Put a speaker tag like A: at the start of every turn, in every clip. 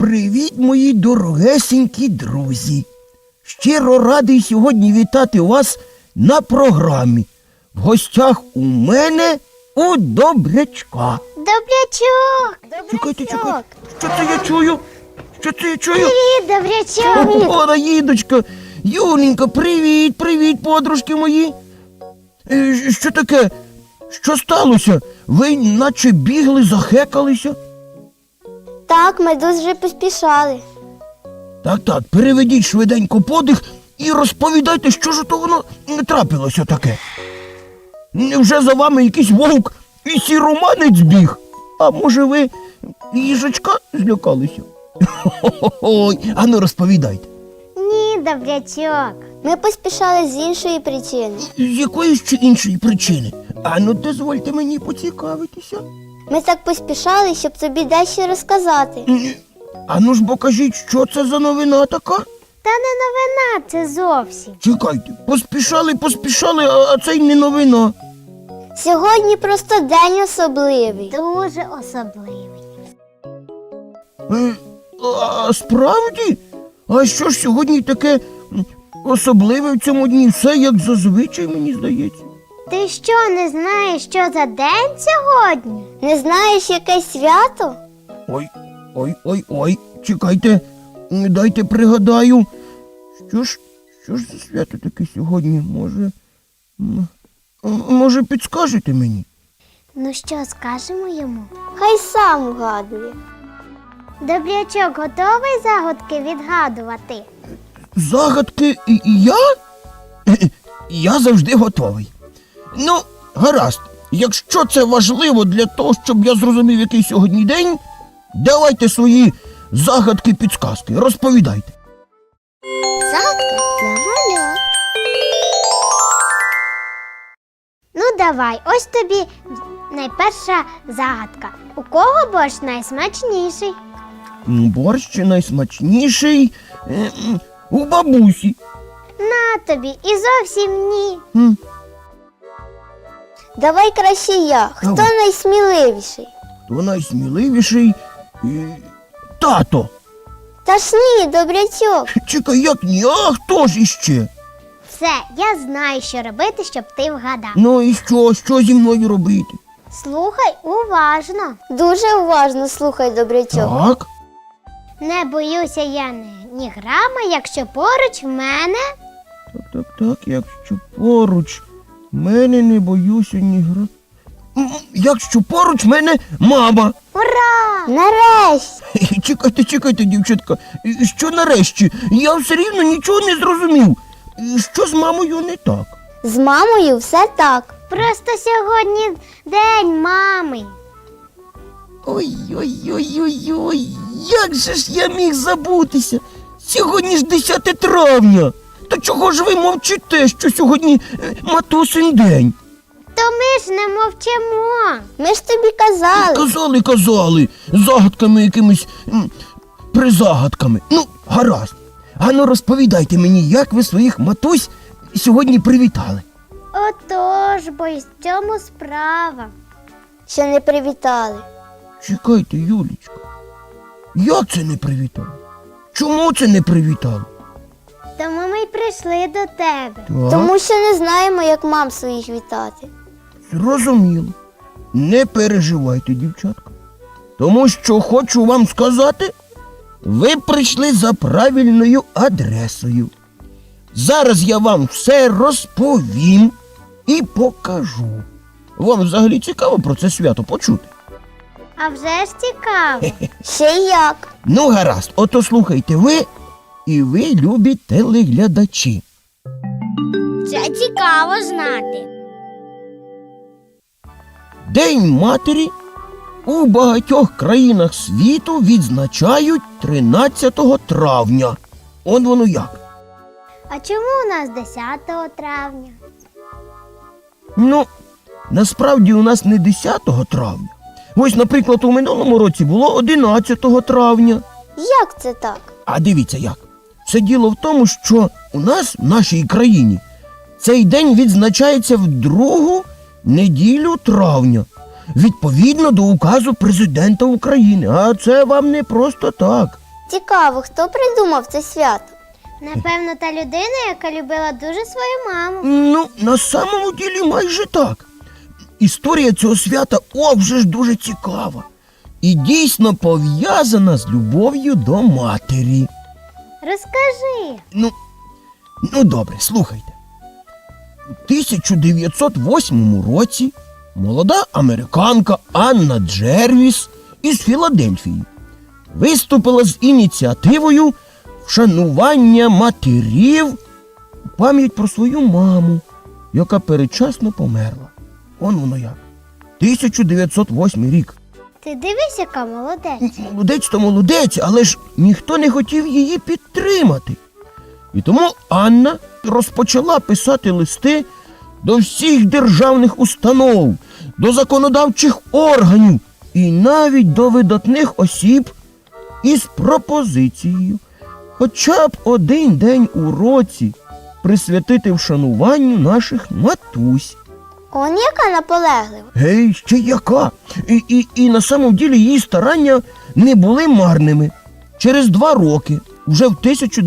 A: Привіт, мої дорогесенькі друзі! Щиро радий сьогодні вітати вас на програмі. В гостях у мене у Добрячка.
B: Добрячок!
A: Чекайте. Що це я чую?
B: Привіт, Добрячок!
A: О, Раїдочка! Юленька, привіт, подружки мої! Що таке? Що сталося? Ви наче бігли, захекалися?
B: Так, ми дуже поспішали.
A: Так, переведіть швиденько подих і розповідайте, що ж то воно не трапилося таке. Невже за вами якийсь вовк і сіроманець біг? А може ви їжачка злякалися? Ой, ану розповідайте.
B: Ні, Добрячок. Ми поспішали з іншої причини.
A: З якої ще іншої причини? Ану, дозвольте мені поцікавитися.
B: Ми так поспішали, щоб тобі дещо розказати.
A: Ану ж бо кажіть, що це за новина така?
B: Та не новина це зовсім.
A: Чекайте, поспішали, а це й не новина.
B: Сьогодні просто день особливий. Дуже особливий.
A: А справді? А що ж сьогодні таке особливе в цьому дні? Все як зазвичай, мені здається.
B: Ти що, не знаєш, що за день сьогодні? Не знаєш, яке свято?
A: Ой, чекайте, дайте пригадаю. Що ж за свято таке сьогодні? Може, підскажете мені?
B: Ну що, скажемо йому? Хай сам угадує. Добрячок, готовий загадки відгадувати?
A: Загадки я? Я завжди готовий. Ну, гаразд, якщо це важливо для того, щоб я зрозумів, який сьогодні день, давайте свої загадки-підсказки, розповідайте.
B: Загадка для малят. Ну давай, ось тобі найперша загадка. У кого борщ найсмачніший?
A: Борщ найсмачніший у бабусі.
B: На тобі, і зовсім ні.
C: Давай краще я. Хто
A: Давай.
C: найсміливіший?
A: Хто найсміливіший? Тато.
C: Та ж ні, Добрячок.
A: Чекай, як ні? А хто ж іще?
B: Все, я знаю, що робити, щоб ти вгадав.
A: Ну і що зі мною робити?
B: Слухай уважно.
C: Дуже уважно слухай, Добрячок.
A: Так,
B: Не боюся я ні грама, якщо поруч в мене.
A: так, якщо поруч мене не боюся ні гра. Якщо поруч мене мама.
B: Ура!
C: Нарешті.
A: Чекайте, дівчатка, що нарешті? Я все рівно нічого не зрозумів. Що з мамою не так?
C: З мамою все так.
B: Просто сьогодні день мами.
A: Ой, як же ж я міг забутися? Сьогодні ж 10 травня. Та чого ж ви мовчите, що сьогодні матусин день?
B: То ми ж не мовчимо.
C: Ми ж тобі
A: Казали, загадками якимись призагадками. Ну, гаразд. Ану розповідайте мені, як ви своїх матусь сьогодні привітали.
B: Отож, бо й в цьому справа.
C: Ще не привітали.
A: Чекайте, Юлічка, як це не привітали? Чому це не привітали?
B: Тому ми й прийшли до тебе.
A: Так,
C: Тому що не знаємо, як мам своїх вітати.
A: зрозуміло. Не переживайте, дівчатка. Тому що хочу вам сказати, ви прийшли за правильною адресою. Зараз я вам все розповім і покажу. Вам взагалі цікаво про це свято почути?
B: А вже ж цікаво.
C: Ще й як.
A: Ну, гаразд, ото слухайте ви і ви, любі телеглядачі.
B: Це цікаво знати.
A: День матері у багатьох країнах світу відзначають 13 травня. Он воно як.
B: А чому у нас 10 травня?
A: Ну, насправді у нас не 10 травня. Ось, наприклад, у минулому році було 11 травня.
C: Як це так?
A: А дивіться як. Все діло в тому, що у нас, в нашій країні, цей день відзначається в другу неділю травня. відповідно до указу президента України. А це вам не просто так.
C: Цікаво, хто придумав це свято?
B: Напевно, та людина, яка любила дуже свою маму.
A: Ну, на самому ділі майже так. Історія цього свята, вже ж дуже цікава. І дійсно пов'язана з любов'ю до матері.
B: Розкажи.
A: Ну добре, слухайте. У 1908 році молода американка Анна Джервіс із Філадельфії виступила з ініціативою вшанування матерів у пам'ять про свою маму, яка передчасно померла. Он воно як. 1908 рік.
B: Ти дивись, яка молодець.
A: Молодець то молодець, але ж ніхто не хотів її підтримати. І тому Анна розпочала писати листи до всіх державних установ, до законодавчих органів і навіть до видатних осіб із пропозицією хоча б один день у році присвятити вшануванню наших матусь.
C: Он яка наполеглива.
A: Гей, ще яка? І на самом ділі її старання не були марними. Через 2 роки, вже в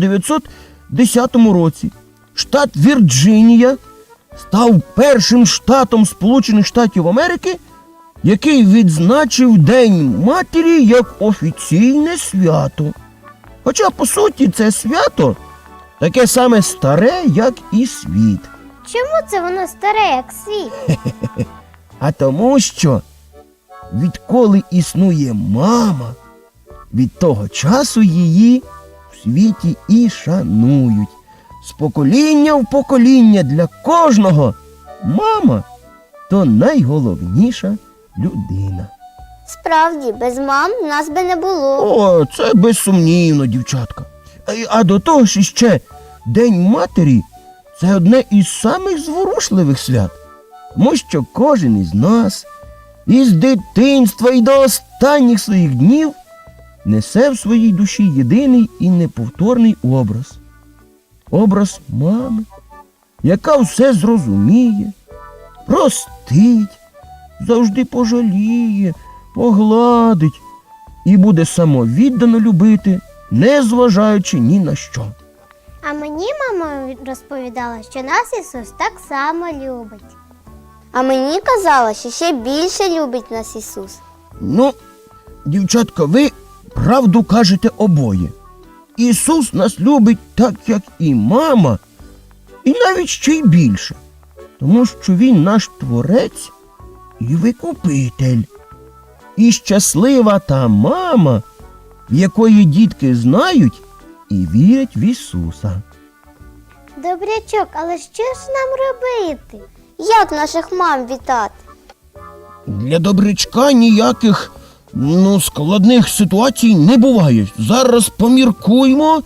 A: 1910 році, штат Вірджинія став першим штатом Сполучених Штатів Америки, який відзначив День матері як офіційне свято. Хоча, по суті, це свято таке саме старе, як і світ.
B: Чому це воно старе, як світ?
A: А тому що відколи існує мама, від того часу її в світі і шанують. З покоління в покоління для кожного мама то найголовніша людина.
C: Справді, без мам нас би не було.
A: О, це безсумнівно, дівчатка. А до того ж іще День матері – це одне із самих зворушливих свят. Тому що кожен із нас із дитинства і до останніх своїх днів несе в своїй душі єдиний і неповторний образ. Образ мами, яка все зрозуміє, простить, завжди пожаліє, погладить і буде самовіддано любити, не зважаючи ні на що.
B: А мені мама розповідала, що нас Ісус так само любить.
C: А мені казала, що ще більше любить нас Ісус.
A: Ну, дівчатка, ви правду кажете обоє. Ісус нас любить так, як і мама, і навіть ще й більше. Тому що Він наш Творець і Викупитель. І щаслива та мама, в якої дітки знають і вірять в Ісуса.
B: Добрячок, але що ж нам робити?
C: Як наших мам вітати?
A: Для добрячка ніяких, складних ситуацій не буває. Зараз поміркуймо.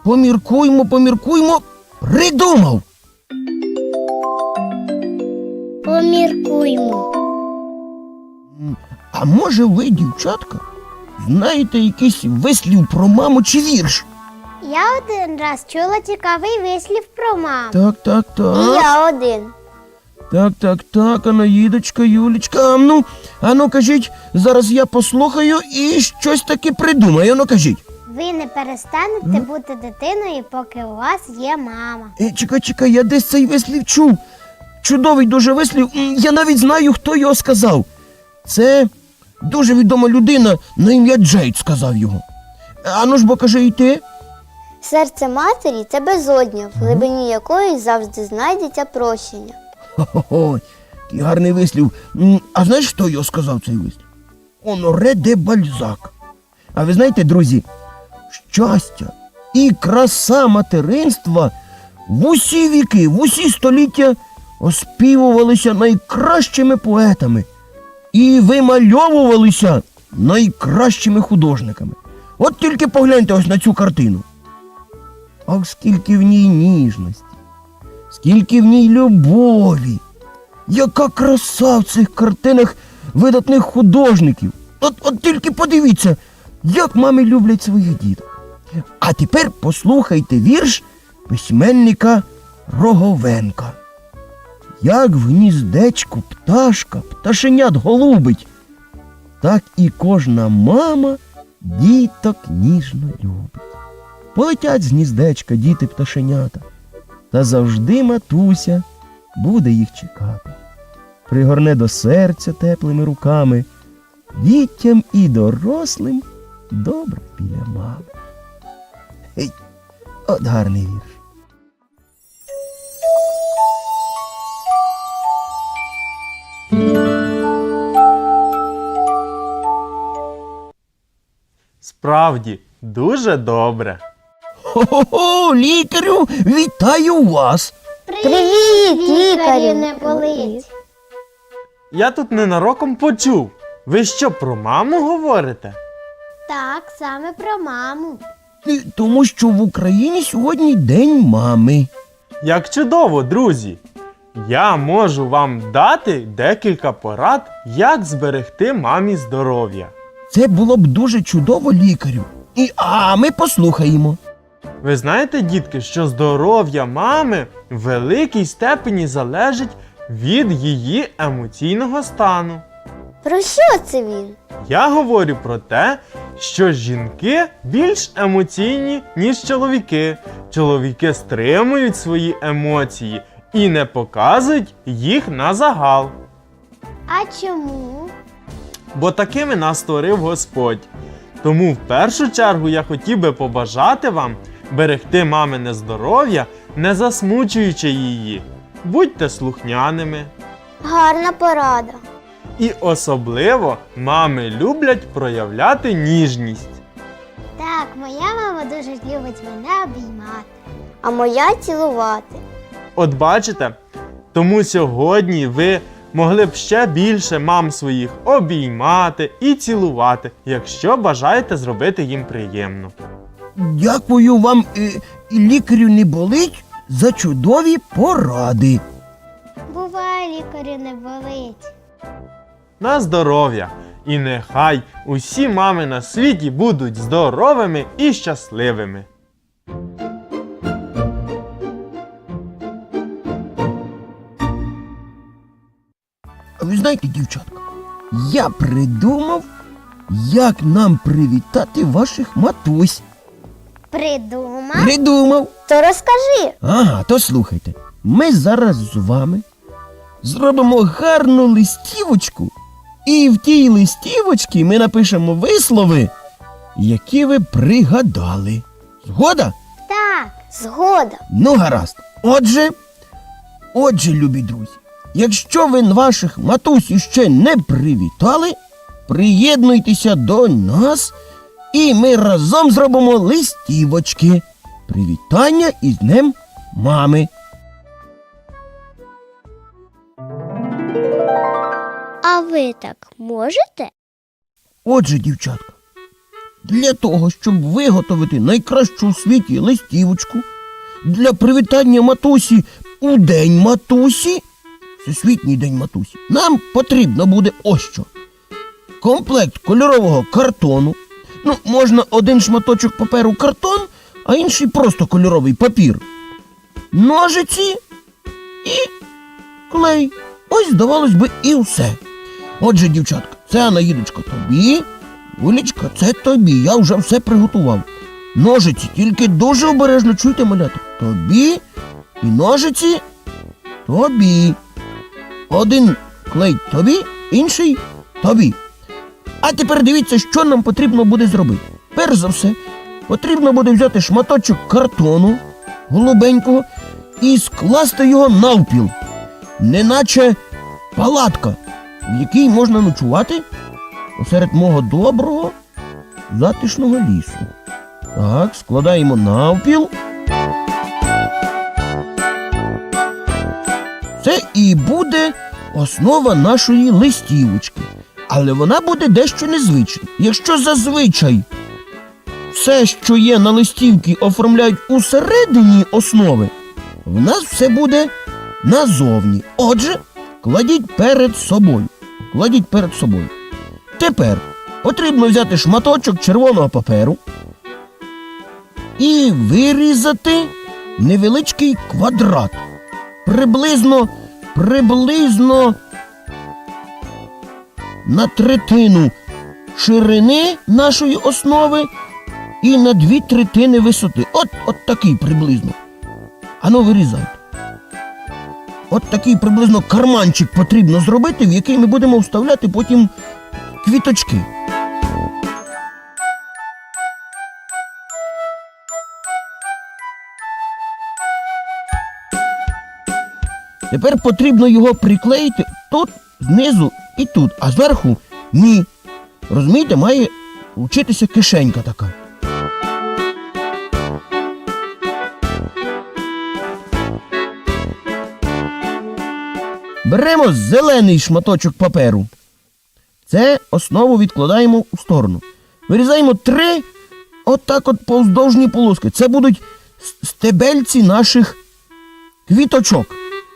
A: Придумав!
B: Поміркуймо.
A: А може ви, дівчатка, знаєте якийсь вислів про маму чи вірш?
B: Я один раз чула цікавий вислів про маму.
A: Так.
C: І я один.
A: Так, Анаїдочка, Юлічка, а ну кажіть, зараз я послухаю і щось таки придумаю, кажіть.
B: Ви не перестанете бути дитиною, поки у вас є мама.
A: Чекай, я десь цей вислів чув. Чудовий дуже вислів, я навіть знаю, хто його сказав. Це дуже відома людина на ім'я Джейд сказав його. Ану ж бо кажи і ти.
C: Серце матері – це безодня, в глибині якої завжди знайдеться прощення.
A: Хо-хо-хо, який гарний вислів. А знаєш, хто його сказав цей вислів? Оноре де Бальзак. А ви знаєте, друзі, щастя і краса материнства в усі віки, в усі століття оспівувалися найкращими поетами і вимальовувалися найкращими художниками. От тільки погляньте ось на цю картину. Ах, скільки в ній ніжності, скільки в ній любові, яка краса в цих картинах видатних художників. От тільки подивіться, як мами люблять своїх діток. А тепер послухайте вірш письменника Роговенка. Як в гніздечку пташка пташенят голубить, так і кожна мама діток ніжно любить. Полетять з гніздечка діти-пташенята, та завжди матуся буде їх чекати. Пригорне до серця теплими руками, дітям і дорослим добре біля мами. Гей, от гарний вірш.
D: Справді, дуже добре.
A: Хо-хо-хо, лікарю, вітаю вас!
C: Привіт, лікарю!
B: не болить.
D: Я тут ненароком почув. Ви що, про маму говорите?
B: Так, саме про маму.
A: Тому що в Україні сьогодні День мами.
D: Як чудово, друзі! Я можу вам дати декілька порад, як зберегти мамі здоров'я.
A: Це було б дуже чудово, лікарю. А ми послухаємо.
D: Ви знаєте, дітки, що здоров'я мами в великій степені залежить від її емоційного стану.
C: Про що це він?
D: Я говорю про те, що жінки більш емоційні, ніж чоловіки. Чоловіки стримують свої емоції і не показують їх на загал.
B: А чому?
D: Бо такими нас створив Господь. Тому в першу чергу я хотів би побажати вам берегти мамине здоров'я, не засмучуючи її. Будьте слухняними.
C: Гарна порада.
D: І особливо мами люблять проявляти ніжність.
B: Так, моя мама дуже любить мене обіймати.
C: А моя цілувати.
D: От бачите, тому сьогодні ви могли б ще більше мам своїх обіймати і цілувати, якщо бажаєте зробити їм приємно.
A: Дякую вам, лікарю не болить, за чудові поради.
B: Буває, лікарю не болить.
D: На здоров'я! І нехай усі мами на світі будуть здоровими і щасливими.
A: А ви знаєте, дівчатка, я придумав, як нам привітати ваших матусь.
B: Придумав?
A: Придумав.
C: То розкажи.
A: Ага, то слухайте. Ми зараз з вами зробимо гарну листівочку, і в тій листівочці ми напишемо вислови, які ви пригадали. Згода?
B: Так.
C: Згода.
A: Ну, гаразд. Отже, любі друзі, якщо ви ваших матусь іще не привітали, приєднуйтеся до нас, і ми разом зробимо листівочки. Привітання із Днем мами.
B: А ви так можете?
A: Отже, дівчатка, для того, щоб виготовити найкращу у світі листівочку для привітання матусі у День матусі, Всесвітній день матусі, нам потрібно буде ось що. Комплект кольорового картону. Ну, можна один шматочок паперу картон, а інший просто кольоровий папір. Ножиці і клей. Ось, здавалось би, і все. Отже, дівчатка, це Анаїдочка тобі, Юлічка, це тобі. Я вже все приготував. Ножиці, тільки дуже обережно чуйте, малята. Тобі і ножиці тобі. Один клей тобі, інший тобі. А тепер дивіться, що нам потрібно буде зробити. Перш за все, потрібно буде взяти шматочок картону голубенького і скласти його навпіл, неначе палатка, в якій можна ночувати посеред мого доброго затишного лісу. Так, складаємо навпіл. Це і буде основа нашої листівочки. Але вона буде дещо незвична. Якщо зазвичай все, що є на листівці, оформляють усередині основи, в нас все буде назовні. Отже, кладіть перед собою. Кладіть перед собою. Тепер потрібно взяти шматочок червоного паперу і вирізати невеличкий квадрат. Приблизно на третину ширини нашої основи і на 2/3 висоти. От такий приблизно. Ану, вирізайте. От такий приблизно карманчик потрібно зробити, в який ми будемо вставляти потім квіточки. Тепер потрібно його приклеїти тут, знизу і тут, а зверху ні. Розумієте, має вчитися кишенька така. Беремо зелений шматочок паперу. Це основу відкладаємо у сторону. Вирізаємо 3 отак от повздовжні полоски. Це будуть стебельці наших квіточок.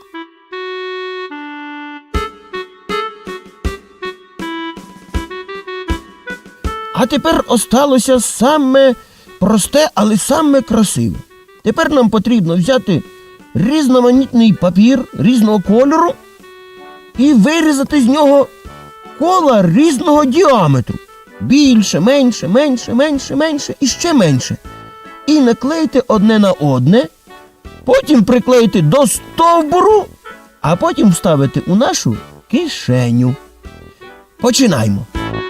A: А тепер осталося саме просте, але саме красиве. Тепер нам потрібно взяти різноманітний папір різного кольору і вирізати з нього кола різного діаметру. Більше, менше, менше, менше, менше і ще менше. І наклеїти одне на одне, потім приклеїти до стовбуру, а потім вставити у нашу кишеню. Починаємо.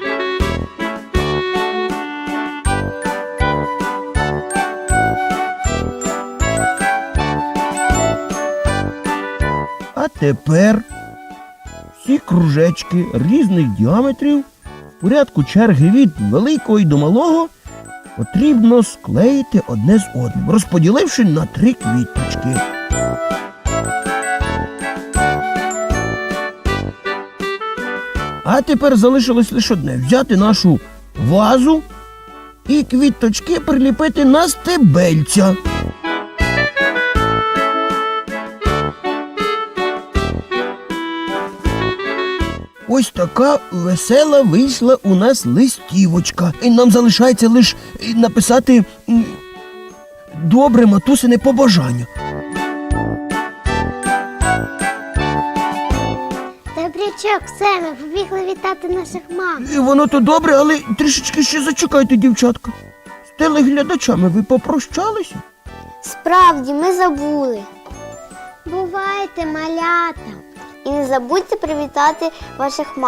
A: А тепер всі кружечки різних діаметрів в порядку черги від великого і до малого потрібно склеїти одне з одним, розподіливши на 3 квіточки. А тепер залишилось лише одне – взяти нашу вазу і квіточки приліпити на стебельця. Ось така весела вийшла у нас листівочка. І нам залишається лише написати добре матусине побажання.
B: Добрячок, все, ми побігли вітати наших мам.
A: І воно то добре, але трішечки ще зачекайте, дівчатка. З телеглядачами ви попрощалися?
C: Справді, ми забули.
B: Бувайте, малята.
C: І не забудьте привітати ваших мам.